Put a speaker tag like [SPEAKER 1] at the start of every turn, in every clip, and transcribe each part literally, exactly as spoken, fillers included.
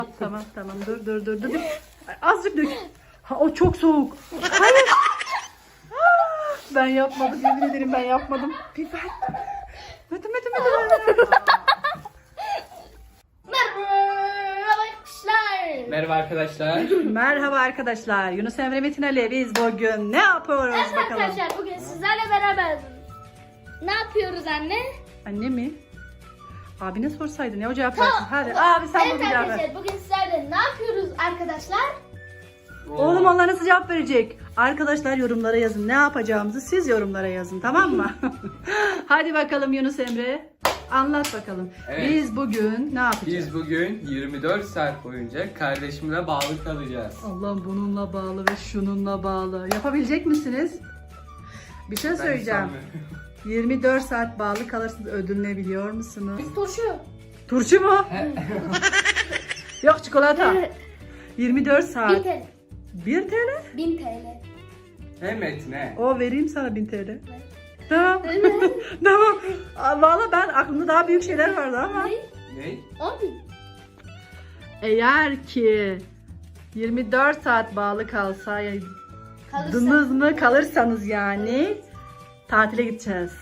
[SPEAKER 1] Tamam tamam dur dur dur dur. Azıcık dök. Ha, o çok soğuk. Hayır. Ah, ben yapmadım, yemin ederim ben yapmadım. Biber. Hadi hadi hadi.
[SPEAKER 2] Merhaba arkadaşlar.
[SPEAKER 3] Merhaba arkadaşlar.
[SPEAKER 1] Merhaba arkadaşlar. Yunus Emre Metin Ali, biz bugün ne yapıyoruz
[SPEAKER 2] Evet
[SPEAKER 1] bakalım.
[SPEAKER 2] arkadaşlar bugün sizlerle beraber ne yapıyoruz anne?
[SPEAKER 1] Anne mi? Abine sorsaydın ya, o cevap versin. Hadi abi sen
[SPEAKER 2] Evet
[SPEAKER 1] bunu cevap ver.
[SPEAKER 2] arkadaşlar bugün sizlerle ne yapıyoruz arkadaşlar?
[SPEAKER 1] Oğlum onlar nasıl cevap verecek? Arkadaşlar yorumlara yazın. Ne yapacağımızı siz yorumlara yazın, tamam mı? Hadi bakalım Yunus Emre. Anlat bakalım.
[SPEAKER 3] Evet.
[SPEAKER 1] Biz bugün ne yapacağız?
[SPEAKER 3] Biz bugün yirmi dört saat boyunca kardeşimle bağlı kalacağız.
[SPEAKER 1] Allah'ım bununla bağlı ve şununla bağlı. Yapabilecek misiniz? Bir şey
[SPEAKER 3] Ben
[SPEAKER 1] söyleyeceğim.
[SPEAKER 3] sanmıyorum.
[SPEAKER 1] yirmi dört saat bağlı kalırsınız, ödül ne biliyor musunuz?
[SPEAKER 2] Biz turşu.
[SPEAKER 1] Turşu mu? Yok, çikolata. yirmi dört
[SPEAKER 2] bin
[SPEAKER 1] saat.
[SPEAKER 2] T L.
[SPEAKER 1] bir T L?
[SPEAKER 2] bin T L.
[SPEAKER 3] Hem Metin'e.
[SPEAKER 1] O vereyim sana bin T L. Tamam. Tamam. Aa, Valla ben aklımda daha büyük şeyler vardı ama.
[SPEAKER 2] Ne?
[SPEAKER 3] Ne?
[SPEAKER 2] on bin.
[SPEAKER 1] Eğer ki yirmi dört saat bağlı kalsa, yani
[SPEAKER 2] Kalırsa.
[SPEAKER 1] dınız mı kalırsanız yani tatile gideceğiz.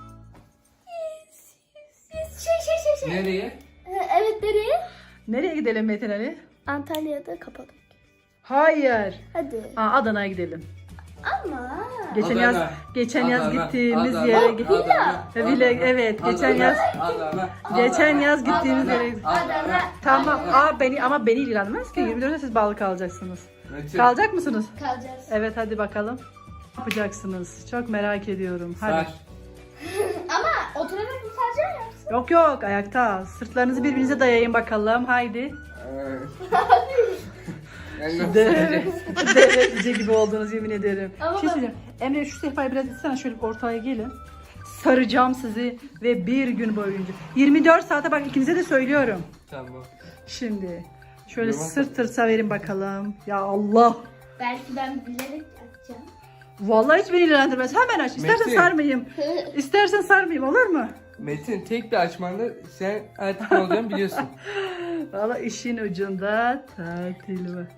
[SPEAKER 2] Siz şey şey şey şey.
[SPEAKER 3] Nereye?
[SPEAKER 2] Ee, Evet nereye?
[SPEAKER 1] Nereye gidelim Metin Ali?
[SPEAKER 2] Antalya'da kapadık.
[SPEAKER 1] Hayır.
[SPEAKER 2] Hadi.
[SPEAKER 1] Aa, Adana'ya gidelim.
[SPEAKER 2] Ama.
[SPEAKER 1] Geçen
[SPEAKER 3] Adana.
[SPEAKER 1] yaz geçen yaz
[SPEAKER 3] Adana,
[SPEAKER 1] gittiğimiz
[SPEAKER 3] Adana,
[SPEAKER 1] yere gittik.
[SPEAKER 3] Adana,
[SPEAKER 1] Villa,
[SPEAKER 3] Adana,
[SPEAKER 1] evet, geçen
[SPEAKER 3] Adana,
[SPEAKER 1] yaz-
[SPEAKER 3] Adana,
[SPEAKER 1] geçen
[SPEAKER 3] Adana,
[SPEAKER 1] yaz gittiğimiz
[SPEAKER 3] Adana,
[SPEAKER 1] yere-
[SPEAKER 3] Adana.
[SPEAKER 1] Tamam. Aa beni ama beni ilgilenmez ki. yirmi dörtte siz bağlı kalacaksınız.
[SPEAKER 3] Metin,
[SPEAKER 1] Kalacak mısınız?
[SPEAKER 2] Kalacağız.
[SPEAKER 1] Evet, hadi bakalım. Ne yapacaksınız? Çok merak ediyorum. Hadi.
[SPEAKER 3] Sar.
[SPEAKER 2] Ama oturarak mı saracağım ya?
[SPEAKER 1] Yok yok, ayakta. Sırtlarınızı birbirinize dayayın bakalım. Haydi.
[SPEAKER 3] Ee, Ben nasıl
[SPEAKER 1] Deve,
[SPEAKER 3] saracağım?
[SPEAKER 1] deve cüce gibi oldunuz, yemin ederim.
[SPEAKER 2] Ama
[SPEAKER 1] Bir şey
[SPEAKER 2] bak-
[SPEAKER 1] söyleyeceğim. Emre şu sehpayı biraz itsene, şöyle ortaya gelin. Saracağım sizi ve bir gün boyunca. yirmi dört saate bak, ikinize de söylüyorum.
[SPEAKER 3] Tamam.
[SPEAKER 1] Şimdi şöyle
[SPEAKER 3] Yalan.
[SPEAKER 1] sırt tırsa verin bakalım. Ya Allah.
[SPEAKER 2] Belki ben bilerek açacağım.
[SPEAKER 1] Vallahi hiç beni ilgilendirmez. Hemen aç. İstersen
[SPEAKER 3] Metin.
[SPEAKER 1] sarmayayım. İstersen sarmayayım, olur mu?
[SPEAKER 3] Metin tek bir açmanda sen artık ne olacağını biliyorsun.
[SPEAKER 1] Vallahi işin ucunda tatil var.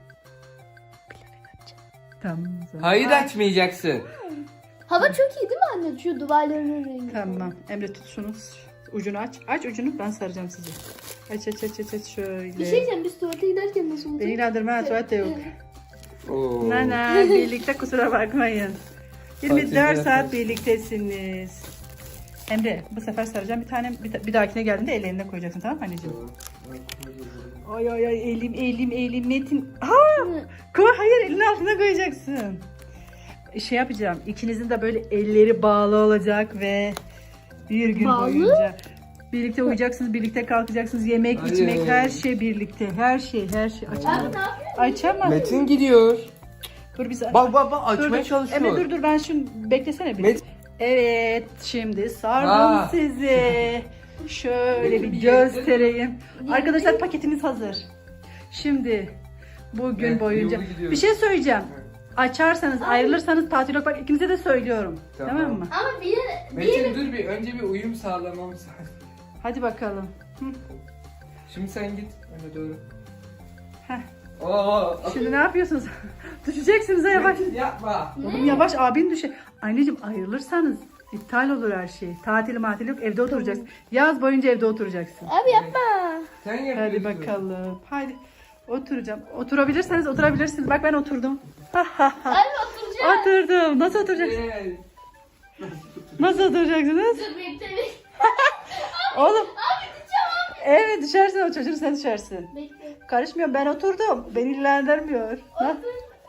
[SPEAKER 1] Tamam. o zaman.
[SPEAKER 3] Hayır açmayacaksın.
[SPEAKER 2] Hava çok iyi değil mi anne? Şu duvarların rengi.
[SPEAKER 1] Tamam. Emre tut şunu. Ucunu aç. Aç ucunu, ben saracağım sizi. Aç aç aç aç, aç şöyle.
[SPEAKER 2] Bir şey diyeceğim, biz tuvalete giderken nasıl olacak?
[SPEAKER 1] Beni ilgilendirmez, tuvalet de yok.
[SPEAKER 3] Oo.
[SPEAKER 1] Nana birlikte, kusura bakmayın. yirmi dört
[SPEAKER 3] Tatilde
[SPEAKER 1] saat
[SPEAKER 3] yaparız.
[SPEAKER 1] birliktesiniz. Emre bu sefer saracağım. Bir tane bir, bir dahakine geldiğinde ellerine koyacaksın, tamam mı anneciğim? Ay ay ay, elim elim elim Metin. Ha! Koy, hayır, elini altına koyacaksın. Şey yapacağım. İkinizin de böyle elleri bağlı olacak ve bir gün
[SPEAKER 2] Bağlı?
[SPEAKER 1] boyunca birlikte uyuyacaksınız, birlikte kalkacaksınız, yemek,
[SPEAKER 3] Hayır.
[SPEAKER 1] içmek, her şey birlikte. Her şey, her şey.
[SPEAKER 2] Abi
[SPEAKER 1] Açamam.
[SPEAKER 2] ne yapıyorsun?
[SPEAKER 1] Açamam.
[SPEAKER 3] Metin gidiyor.
[SPEAKER 1] Dur bir saniye.
[SPEAKER 3] Bak bak bak
[SPEAKER 1] Dur,
[SPEAKER 3] açmaya
[SPEAKER 1] dur.
[SPEAKER 3] çalışıyor.
[SPEAKER 1] Emre dur dur, ben şunu beklesene bir.
[SPEAKER 3] Met-
[SPEAKER 1] Evet, şimdi sardım
[SPEAKER 3] Ha.
[SPEAKER 1] sizi. Şöyle bir
[SPEAKER 3] Bir
[SPEAKER 1] göstereyim. Arkadaşlar paketimiz hazır. Şimdi bugün
[SPEAKER 3] Evet,
[SPEAKER 1] boyunca
[SPEAKER 3] yolu gidiyoruz.
[SPEAKER 1] bir şey söyleyeceğim.
[SPEAKER 3] Evet.
[SPEAKER 1] Açarsanız, ayrılırsanız tatil yok. Bak ikinize de söylüyorum. Tamam,
[SPEAKER 3] Tamam.
[SPEAKER 1] mı?
[SPEAKER 2] Ama bir yere, bir
[SPEAKER 3] Metin
[SPEAKER 2] yere...
[SPEAKER 3] dur bir önce bir uyum sağlamamız lazım.
[SPEAKER 1] Hadi bakalım. Hı.
[SPEAKER 3] Şimdi sen git öne doğru.
[SPEAKER 1] Heh.
[SPEAKER 3] Oo.
[SPEAKER 1] Şimdi ne yapıyorsunuz? Düşeceksiniz ha, yavaş.
[SPEAKER 3] Metin yapma.
[SPEAKER 1] Oğlum yavaş, abin düşe. Anneciğim ayrılırsanız iptal olur her şey. Tatil matil yok, evde oturacaksın. Yaz boyunca evde oturacaksın.
[SPEAKER 2] Abi yapma.
[SPEAKER 3] Sen yapıyorsun.
[SPEAKER 1] Hadi bakalım. Haydi. Oturacağım. Oturabilirseniz oturabilirsiniz. Bak ben oturdum.
[SPEAKER 2] Abi oturacağım.
[SPEAKER 1] Oturdum. Nasıl oturacaksınız?
[SPEAKER 3] Gel.
[SPEAKER 1] Nasıl oturacaksınız?
[SPEAKER 2] Dur bekle.
[SPEAKER 1] Oğlum.
[SPEAKER 2] Abi düşeceğim abi.
[SPEAKER 1] Evet, düşersin, o çocuğun, sen düşersin.
[SPEAKER 2] Bekle.
[SPEAKER 1] Karışmıyorum, ben oturdum. Beni ilgilendirmiyor. Ha?
[SPEAKER 2] Otur.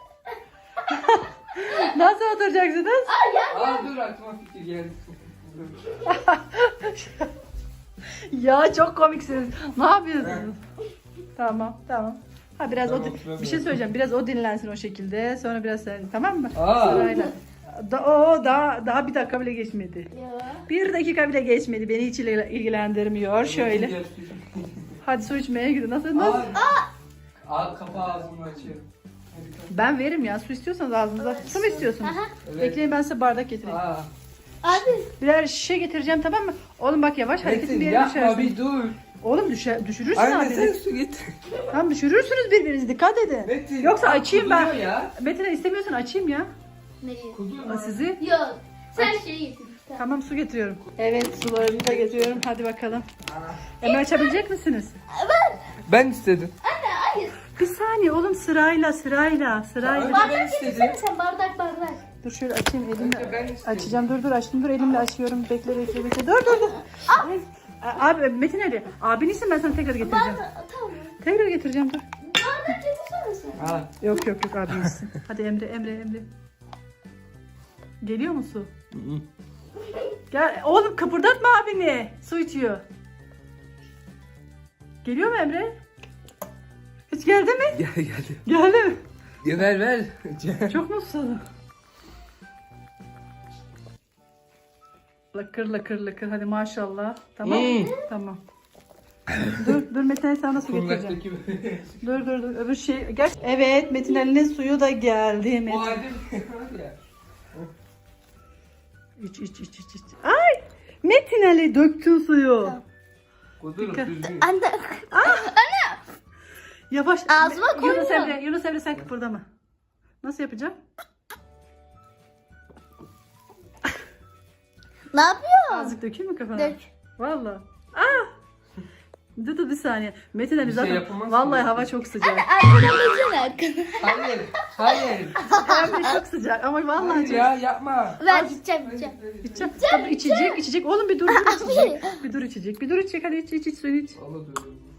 [SPEAKER 1] Nasıl oturacaksınız?
[SPEAKER 2] Aa ya.
[SPEAKER 3] Aa dur aklıma fikir geldi.
[SPEAKER 1] Ya çok komiksiniz. Ne yapıyorsunuz? Tamam, tamam. Ha biraz
[SPEAKER 3] Tamam,
[SPEAKER 1] o di-
[SPEAKER 3] oturamıyorum.
[SPEAKER 1] bir şey söyleyeceğim. Biraz o dinlensin o şekilde. Sonra biraz sen, tamam mı?
[SPEAKER 3] Aa.
[SPEAKER 1] Sırayla. Da, o daha daha bir dakika bile geçmedi.
[SPEAKER 2] Ya.
[SPEAKER 1] Bir dakika bile geçmedi. Beni hiç ilgil- ilgilendirmiyor. Şöyle. Hadi su içmeye gidin. Nasıl? Nasıl?
[SPEAKER 3] Aa. Aa kapağı ağzımı açıyor. Hadi kalk.
[SPEAKER 1] Ben veririm ya. Su istiyorsanız ağzınıza. Su mu istiyorsunuz?
[SPEAKER 2] Aha.
[SPEAKER 3] Evet.
[SPEAKER 1] Bekleyin, ben size bardak getireyim.
[SPEAKER 3] Aa.
[SPEAKER 2] Abi.
[SPEAKER 1] Birer şişe getireceğim, tamam mı? Oğlum bak yavaş, hareketin bir
[SPEAKER 3] Metin
[SPEAKER 1] yere
[SPEAKER 3] yapma
[SPEAKER 1] düşersin.
[SPEAKER 3] bir dur.
[SPEAKER 1] Oğlum düşer, düşürürsün
[SPEAKER 3] Anne sen
[SPEAKER 1] abini.
[SPEAKER 3] su git.
[SPEAKER 1] Tamam düşürürsünüz birbirinizi. Dikkat edin.
[SPEAKER 3] Metin,
[SPEAKER 1] Yoksa
[SPEAKER 3] bak,
[SPEAKER 1] açayım ben.
[SPEAKER 3] kuduruyor ya.
[SPEAKER 1] Metin'e istemiyorsan açayım ya.
[SPEAKER 2] Neyi?
[SPEAKER 3] Kuduruyor.
[SPEAKER 1] Aa, sizi.
[SPEAKER 2] Yok. Sen şeyi getir. Tamam.
[SPEAKER 1] Tamam su getiriyorum. Evet sularını da getiriyorum. Hadi bakalım. Emre açabilecek misiniz?
[SPEAKER 2] Ben.
[SPEAKER 3] Ben istedim.
[SPEAKER 2] Anne hayır.
[SPEAKER 1] Bir saniye oğlum sırayla sırayla sırayla.
[SPEAKER 3] Ben
[SPEAKER 2] Bardak
[SPEAKER 3] istedim.
[SPEAKER 2] getirsene sen bardak bardak.
[SPEAKER 1] Dur şöyle açayım
[SPEAKER 3] Önce
[SPEAKER 1] elimle.
[SPEAKER 3] ben istedim.
[SPEAKER 1] Açacağım dur dur açtım dur elimle açıyorum. Bekle bekle bekle. Dur dur dur. Ay. A- Abi Metin Ali. Abin isim ben sana tekrar getireceğim.
[SPEAKER 2] Bardak tamam.
[SPEAKER 1] Tekrar getireceğim dur.
[SPEAKER 2] Bardak getirsene sen.
[SPEAKER 3] Al.
[SPEAKER 1] Yok yok yok abin isim. Hadi Emre Emre Emre. Geliyor mu su? Gel oğlum kıpırdatma abini. Su içiyor. Geliyor mu Emre? Hiç geldi mi?
[SPEAKER 3] Gel geldi.
[SPEAKER 1] Geldi mi?
[SPEAKER 3] Ya ver ver.
[SPEAKER 1] Çok mu susadım? Lakır lakır lakır hadi maşallah. Tamam.
[SPEAKER 3] Hmm.
[SPEAKER 1] Tamam. dur dur Metin Ali sana nasıl getireceğim?
[SPEAKER 3] Kundaktaki
[SPEAKER 1] Dur dur dur öbür şey. Gel. Evet Metin Ali'nin suyu da geldi.
[SPEAKER 3] o
[SPEAKER 1] Metin.
[SPEAKER 3] halde var ya.
[SPEAKER 1] İç iç iç iç iç. Ay! Metin Ali döktün suyu.
[SPEAKER 3] Kudur
[SPEAKER 1] Dikkat.
[SPEAKER 3] düzgün.
[SPEAKER 2] Anne.
[SPEAKER 1] Yavaş.
[SPEAKER 2] Ağzıma
[SPEAKER 1] Me- Yunus
[SPEAKER 2] koyma.
[SPEAKER 1] Emre, Yunus Emre sen kıpırdama. Nasıl yapacağım?
[SPEAKER 2] Ne yapıyorsun?
[SPEAKER 1] Azıcık dökeyim mi kafana?
[SPEAKER 2] Dök.
[SPEAKER 1] Valla. Aa! Dur dur bir saniye. Metin Ali
[SPEAKER 3] Bir şey
[SPEAKER 1] zaten
[SPEAKER 3] yapamazsın
[SPEAKER 1] vallahi
[SPEAKER 3] ya.
[SPEAKER 1] hava çok sıcak.
[SPEAKER 2] Arkadan döksene arkadan.
[SPEAKER 3] Hayır. Hayır.
[SPEAKER 1] Hem de çok sıcak ama vallahi
[SPEAKER 3] Hayır
[SPEAKER 1] çok.
[SPEAKER 3] ya yapma.
[SPEAKER 2] Ver gideceğim gideceğim.
[SPEAKER 1] İçeceğim. Tabii içecek, içecek. Oğlum bir dur, dur içecek. Bir dur içecek. Bir dur içecek. Hadi iç, iç, iç suyunu iç.
[SPEAKER 3] Allah dur.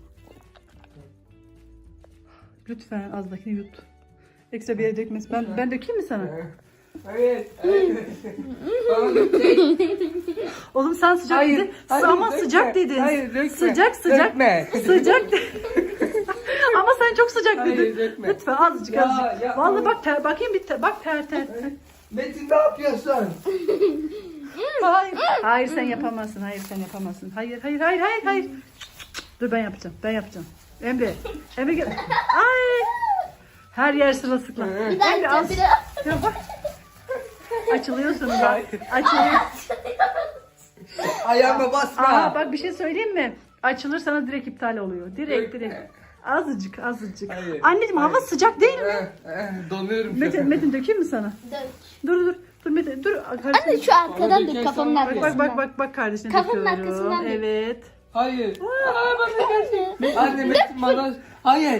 [SPEAKER 1] Lütfen azdakini yut. Ekstra bir yere dökmesin. Ben, ben dökeyim mi sana?
[SPEAKER 3] Hayır. Hayır. Bana dökecek.
[SPEAKER 1] Oğlum sen sıcak
[SPEAKER 3] Hayır,
[SPEAKER 1] dedin.
[SPEAKER 3] hayır,
[SPEAKER 1] Ama
[SPEAKER 3] dökme.
[SPEAKER 1] sıcak dedin.
[SPEAKER 3] Hayır, dökme.
[SPEAKER 1] Sıcak sıcak.
[SPEAKER 3] Dökme.
[SPEAKER 1] Sıcak de- Ama sen çok sıcak
[SPEAKER 3] Hayır,
[SPEAKER 1] dedin.
[SPEAKER 3] dökme.
[SPEAKER 1] Lütfen azıcık
[SPEAKER 3] Ya,
[SPEAKER 1] azıcık.
[SPEAKER 3] ya,
[SPEAKER 1] Vallahi
[SPEAKER 3] ama-
[SPEAKER 1] bak ter, bakayım bir ter, bak ter ter. ter.
[SPEAKER 3] Metin ne yapıyorsun?
[SPEAKER 1] Hayır. Hayır sen yapamazsın. Hayır sen yapamazsın. Hayır hayır hayır hayır hayır. Dur ben yapacağım. Ben yapacağım. Emre. Emre gel. Ay. Her yer sırılsıklam.
[SPEAKER 2] Bir daha
[SPEAKER 1] Emre az.
[SPEAKER 2] gideceğim bir daha.
[SPEAKER 1] Ya bak. Açılıyorsun bak. Açılıyor.
[SPEAKER 3] Ayağıma basma.
[SPEAKER 1] Aa bak bir şey söyleyeyim mi? Açılır sana direkt iptal oluyor. Direkt direkt. Azıcık azıcık.
[SPEAKER 3] Hayır,
[SPEAKER 1] Anneciğim hava
[SPEAKER 3] hayır.
[SPEAKER 1] sıcak değil mi?
[SPEAKER 3] Eh, eh, Donuyorum şu
[SPEAKER 1] Metin,
[SPEAKER 3] an.
[SPEAKER 1] Metin dökeyim mi sana?
[SPEAKER 2] Dök.
[SPEAKER 1] Dur dur dur Metin dur.
[SPEAKER 2] Anne
[SPEAKER 1] Kardeşim.
[SPEAKER 2] şu arkadan
[SPEAKER 3] Bana
[SPEAKER 2] dök
[SPEAKER 3] dökersen
[SPEAKER 2] kafamın
[SPEAKER 3] var ya.
[SPEAKER 1] Bak
[SPEAKER 2] arkasından.
[SPEAKER 1] bak bak bak bak kardeşine
[SPEAKER 2] Kafanın
[SPEAKER 1] döküyorum.
[SPEAKER 2] arkasından dök.
[SPEAKER 1] Evet.
[SPEAKER 3] Hayır. Aa, bak,
[SPEAKER 2] Anne.
[SPEAKER 3] Anne Metin bana... Hayır.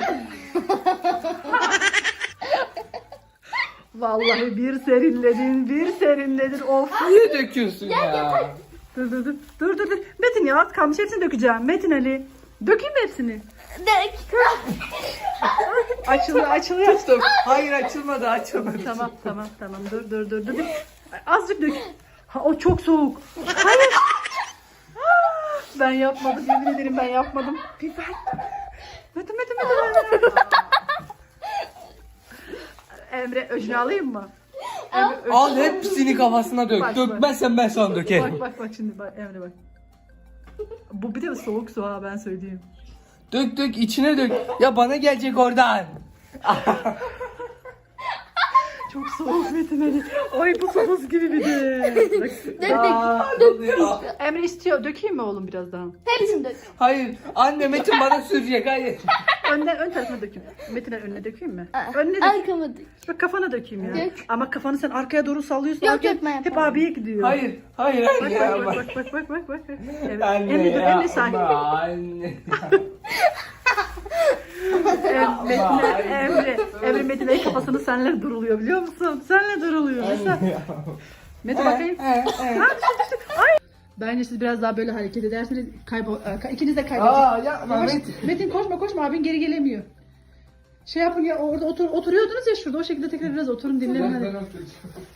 [SPEAKER 1] Vallahi bir serinledin, bir serinledin. Of.
[SPEAKER 3] Niye döküyorsun ya?
[SPEAKER 1] Dur dur dur. Dur dur dur. Metin ya az kalmış hepsini dökeceğim. Metin Ali. Dökeyim mi hepsini?
[SPEAKER 2] Dök.
[SPEAKER 1] Açılıyor açılıyor.
[SPEAKER 3] Tuttum. Hayır açılmadı açılmadı.
[SPEAKER 1] Tamam tamam tamam dur dur dur dur. Azıcık dök. Ha, o çok soğuk. Hayır. Ah, ben yapmadım yemin ederim ben yapmadım. Biber. Metin Metin Metin. Emre öcünü alayım mı? Emre, öcünü-
[SPEAKER 3] Al hepsini kafasına dök.
[SPEAKER 1] Bak, bak.
[SPEAKER 3] Dökmezsen ben sana dökerim.
[SPEAKER 1] Bak bak bak şimdi bak Emre bak. Bu bir de soğuk su ha ben söyleyeyim.
[SPEAKER 3] Dök dök içine dök. Ya bana gelecek oradan.
[SPEAKER 1] Çok soğuk Metin Ali. Ay bu su buz gibi bir de. Bak.
[SPEAKER 2] Dök
[SPEAKER 3] Aa,
[SPEAKER 2] dök.
[SPEAKER 3] donuyor.
[SPEAKER 1] Emre istiyor. Dökeyim mi oğlum biraz daha?
[SPEAKER 2] Hepsini dök.
[SPEAKER 3] Hayır. Anne Metin bana sürecek. Hayır.
[SPEAKER 1] Önden ön tarafına dökeyim. Metin Ali önüne dökeyim mi? Önüne dök.
[SPEAKER 2] Arkama dök.
[SPEAKER 1] Bak kafana dökeyim ya.
[SPEAKER 2] Dök.
[SPEAKER 1] Ama kafanı sen arkaya doğru sallıyorsun.
[SPEAKER 2] Yok,
[SPEAKER 1] arkaya-
[SPEAKER 2] yok, ben
[SPEAKER 1] hep
[SPEAKER 2] yapamam.
[SPEAKER 1] abiye gidiyor.
[SPEAKER 3] Hayır. Hayır.
[SPEAKER 1] Bak
[SPEAKER 3] Hayır. ya,
[SPEAKER 1] bak bak bak bak bak bak bak. Evet.
[SPEAKER 3] Anne
[SPEAKER 1] Emre dur
[SPEAKER 3] ya,
[SPEAKER 1] Emre sakin.
[SPEAKER 3] ama Anne.
[SPEAKER 1] Em- Metin Emre Emre Metin Ali kafasını senle duruluyor biliyor musun? Senle duruluyor. Mesela. Metin bakayım.
[SPEAKER 3] Eh, eh.
[SPEAKER 1] Ha, düştü, düştü. Ay. Bence siz biraz daha böyle hareket ederseniz kaybol e, ikiniz de kaybedeceksiniz.
[SPEAKER 3] Aa yapma
[SPEAKER 1] Yavaş-
[SPEAKER 3] Metin.
[SPEAKER 1] Metin koşma koşma abin geri gelemiyor. Şey yapın ya orada otur, oturuyordunuz ya şurada o şekilde tekrar biraz oturun dinlenin
[SPEAKER 3] Ben
[SPEAKER 1] hadi.
[SPEAKER 3] oturacağım.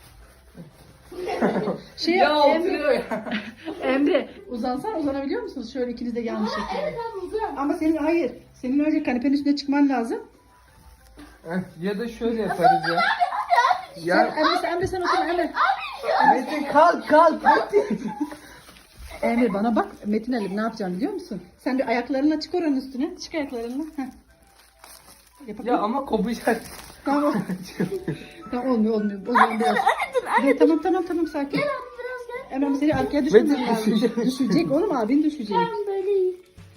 [SPEAKER 1] Şey
[SPEAKER 3] Ya
[SPEAKER 1] yap, Emre,
[SPEAKER 3] oturuyor ya.
[SPEAKER 1] Emre uzansan uzanabiliyor musunuz? Şöyle ikiniz de yanlış şekilde.
[SPEAKER 2] Evet abi uzan.
[SPEAKER 1] Ama senin hayır. Senin önce kanepenin üstüne çıkman lazım.
[SPEAKER 3] Eh, Ya da şöyle yaparız ya.
[SPEAKER 1] Sen,
[SPEAKER 3] Ya
[SPEAKER 1] Emre, sen, Emre sen otur Emre.
[SPEAKER 3] Metin kalk kalk Metin.
[SPEAKER 1] Emre bana bak Metin Ali ne yapacağım biliyor musun? Sen bir ayaklarınla çık oranın üstüne. Çık ayaklarınla. Heh. Yapabiliyor
[SPEAKER 3] Ya ama kopacak.
[SPEAKER 1] Tamam. Tamam olmuyor olmuyor. O zaman biraz. Dur, tamam tamam tamam sakin.
[SPEAKER 2] Gel abi biraz gel.
[SPEAKER 1] Hemen seni arkaya düşürmen
[SPEAKER 3] Metin
[SPEAKER 1] lazım.
[SPEAKER 3] düşecek.
[SPEAKER 1] Düşecek oğlum abin düşecek.
[SPEAKER 2] Tamam böyle iyi.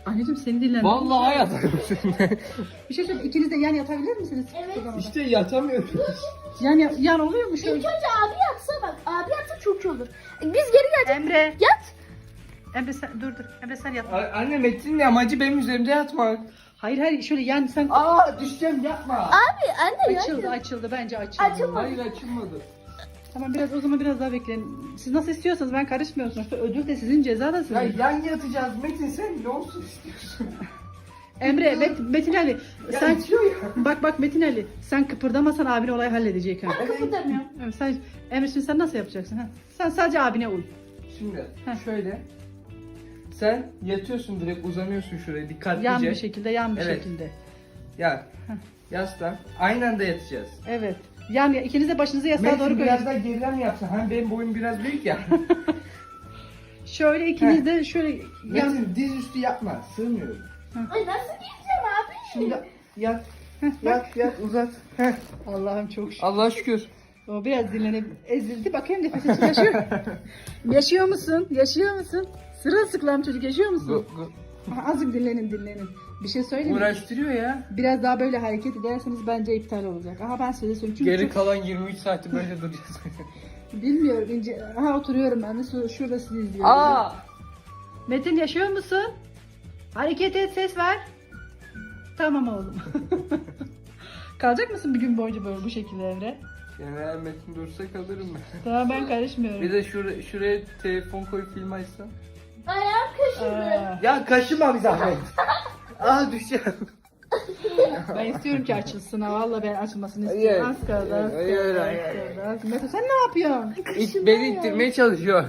[SPEAKER 1] Anneciğim seni dinlen.
[SPEAKER 3] Vallahi yatarım seninle.
[SPEAKER 1] Bir şey söyleyeyim. İkiniz de yan yatabilir misiniz?
[SPEAKER 2] Evet.
[SPEAKER 1] Kıpırdamadan.
[SPEAKER 3] İşte yatamıyorum.
[SPEAKER 1] Yan, yan, yan oluyor mu
[SPEAKER 2] İlk
[SPEAKER 1] şöyle?
[SPEAKER 2] önce abi yatsa bak. Abi yatsa çok iyi olur. Biz geri geleceğiz.
[SPEAKER 1] Emre.
[SPEAKER 2] Yat.
[SPEAKER 1] Emre sen dur dur. Emre sen yat.
[SPEAKER 3] Anne Metin'in amacı benim üzerimde yatmak.
[SPEAKER 1] Hayır hayır şöyle yan sen.
[SPEAKER 3] Aa düşeceğim yapma.
[SPEAKER 2] Abi anne ya.
[SPEAKER 1] Açıldı açıldı bence açıldı.
[SPEAKER 2] Açılmadı.
[SPEAKER 3] Hayır açılmadı.
[SPEAKER 1] Tamam biraz o zaman biraz daha bekleyin. Siz nasıl istiyorsanız ben karışmıyorum. Sonuçta ödül de sizin ceza da
[SPEAKER 3] Ya
[SPEAKER 1] sizin.
[SPEAKER 3] yan yatacağız Metin sen ne olsun istiyorsun?
[SPEAKER 1] Emre Met, Metin Ali
[SPEAKER 3] Ya
[SPEAKER 1] sen
[SPEAKER 3] itiyor ya.
[SPEAKER 1] bak bak Metin Ali sen kıpırdamasan abin olayı halledecek ha.
[SPEAKER 2] Kıpırdamıyorum.
[SPEAKER 1] Evet, sen Emre şimdi sen nasıl yapacaksın ha? Sen sadece abine uy.
[SPEAKER 3] Şimdi
[SPEAKER 1] Heh.
[SPEAKER 3] şöyle. Sen yatıyorsun direkt uzanıyorsun şuraya dikkatlice.
[SPEAKER 1] Yan bir şekilde yan bir
[SPEAKER 3] Evet.
[SPEAKER 1] şekilde.
[SPEAKER 3] Yan. Yaslan. Aynı anda yatacağız.
[SPEAKER 1] Evet. Yani ikiniz de başınızı yastığa
[SPEAKER 3] Metin
[SPEAKER 1] doğru
[SPEAKER 3] biraz
[SPEAKER 1] koyun.
[SPEAKER 3] daha geriden mi yapsan? Hem benim boyum biraz büyük ya.
[SPEAKER 1] Şöyle ikiniz de şöyle yan.
[SPEAKER 3] Metin diz üstü yapma. Sığmıyorum.
[SPEAKER 2] Ay nasıl gideceğim abi?
[SPEAKER 3] Şimdi yat. Yat yat uzat. Heh.
[SPEAKER 1] Allah'ım çok şükür.
[SPEAKER 3] Allah'a şükür.
[SPEAKER 1] O biraz dinlenip ezildi. Bakayım nefes için yaşıyor. Yaşıyor musun? Yaşıyor musun? Sırılsıklam çocuk yaşıyor musun?
[SPEAKER 3] Gu- gu-
[SPEAKER 1] Aha, azıcık dinlenin dinlenin. Bir şey söyleyeyim mi?
[SPEAKER 3] Uğraştırıyor ya.
[SPEAKER 1] Biraz daha böyle hareket ederseniz bence iptal olacak. Aha ben size söyleyeyim. Çünkü
[SPEAKER 3] Geri
[SPEAKER 1] çok-
[SPEAKER 3] kalan yirmi üç saati böyle duracağız.
[SPEAKER 1] bilmiyorum. ince. Aha oturuyorum ben de şu- şurada sizi izliyorum.
[SPEAKER 3] Aa!
[SPEAKER 1] Metin yaşıyor musun? Hareket et ses ver. Tamam oğlum. Kalacak mısın bir gün boyunca böyle bu şekilde Emre?
[SPEAKER 3] Yani eğer Metin dursa kalırım ben.
[SPEAKER 1] Tamam ben karışmıyorum.
[SPEAKER 3] Bir de şuraya, şuraya telefon koyup film açsam.
[SPEAKER 2] Ayağım kaşındı.
[SPEAKER 1] Aa,
[SPEAKER 3] Ya kaşıma bir zahmet. Aa düşeceğim.
[SPEAKER 1] ben istiyorum ki açılsın ha. Valla ben açılmasını
[SPEAKER 3] Hayır.
[SPEAKER 1] istiyorum. Az kaldı az
[SPEAKER 3] Hayır,
[SPEAKER 1] kaldı.
[SPEAKER 3] hayır,
[SPEAKER 1] az
[SPEAKER 3] hayır.
[SPEAKER 1] kaldı, az- Metin sen ne yapıyorsun?
[SPEAKER 3] İt, beni ittirmeye çalışıyor.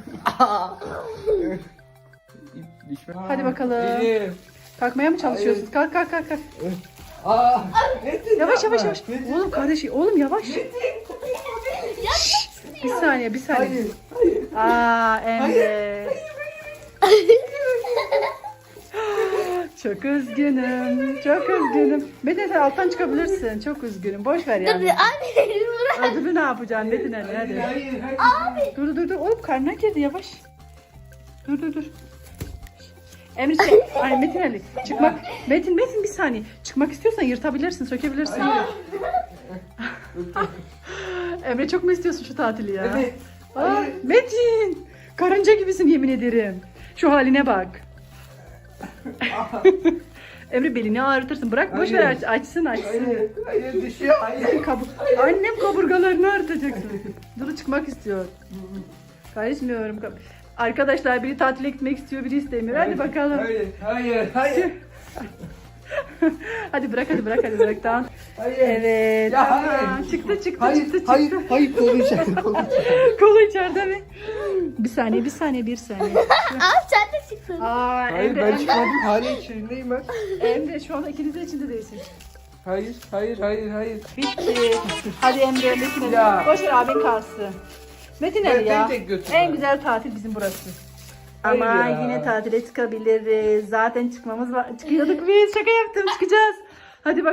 [SPEAKER 3] İt- düşme.
[SPEAKER 1] Hadi bakalım.
[SPEAKER 3] Benim.
[SPEAKER 1] Kalkmaya mı çalışıyorsunuz? Kalk kalk kalk kalk.
[SPEAKER 3] Aa! Metin
[SPEAKER 1] Yavaş
[SPEAKER 3] yapma.
[SPEAKER 1] yavaş yavaş.
[SPEAKER 3] Metin.
[SPEAKER 1] Oğlum kardeş oğlum yavaş. Bir saniye bir saniye.
[SPEAKER 3] Hayır.
[SPEAKER 1] Aa Emre. Çok üzgünüm. Çok üzgünüm. Metin sen alttan çıkabilirsin. Çok üzgünüm. Boş ver
[SPEAKER 2] Dur
[SPEAKER 1] yani.
[SPEAKER 2] abi bırak.
[SPEAKER 1] Ödülü ne yapacaksın Metin Ali hadi.
[SPEAKER 3] Hayır, hayır.
[SPEAKER 1] Dur dur dur. Oğlum karnına girdi yavaş. Dur dur dur. Emre şey, ay Metin Ali çıkmak. Metin Metin bir saniye. Çıkmak istiyorsan yırtabilirsin, sökebilirsin. Emre çok mu istiyorsun şu tatili ya?
[SPEAKER 3] Evet.
[SPEAKER 1] Aa, Metin! Karınca gibisin yemin ederim. Şu haline bak. Emre belini ağrıtırsın. Bırak boş ver
[SPEAKER 3] Hayır.
[SPEAKER 1] aç, açsın açsın.
[SPEAKER 3] Hayır, hayır düşüyor. Hayır.
[SPEAKER 1] Kabuk. Annem kaburgalarını ağrıtacaksın. Dur çıkmak istiyor. Karışmıyorum. Arkadaşlar biri tatile gitmek istiyor, biri istemiyor. Hadi bakalım.
[SPEAKER 3] Hayır, hayır, hayır.
[SPEAKER 1] Hadi bırak hadi bırak hadi bırak tamam.
[SPEAKER 3] Hayır.
[SPEAKER 1] Evet.
[SPEAKER 3] Ya
[SPEAKER 1] tamam.
[SPEAKER 3] hayır.
[SPEAKER 1] Çıktı çıktı
[SPEAKER 3] Hayır,
[SPEAKER 1] çıktı çıktı.
[SPEAKER 3] hayır, hayır, kolu içeride, kolu içeride.
[SPEAKER 1] Kolu içeride mi? Bir saniye bir saniye bir saniye.
[SPEAKER 2] Abi sen de çıktın.
[SPEAKER 1] Aa
[SPEAKER 3] Hayır,
[SPEAKER 1] Emre,
[SPEAKER 3] ben
[SPEAKER 1] Emre,
[SPEAKER 3] çıkmadım. Hala içerideyim ben.
[SPEAKER 1] Emre şu anda ikiniz de içinde değilsin.
[SPEAKER 3] Hayır, hayır, hayır, hayır.
[SPEAKER 1] Bitti. Hadi Emre Metin Ali.
[SPEAKER 3] Ya.
[SPEAKER 1] Boş ver abin kalsın. Metin
[SPEAKER 3] Ben-
[SPEAKER 1] Ali ya.
[SPEAKER 3] beni tek götür
[SPEAKER 1] En
[SPEAKER 3] bari.
[SPEAKER 1] güzel tatil bizim burası.
[SPEAKER 3] Hayır
[SPEAKER 1] Ama
[SPEAKER 3] ya.
[SPEAKER 1] yine tatile çıkabiliriz. Zaten çıkmamız var. Çıkıyorduk biz. Şaka yaptım çıkacağız. Hadi bak.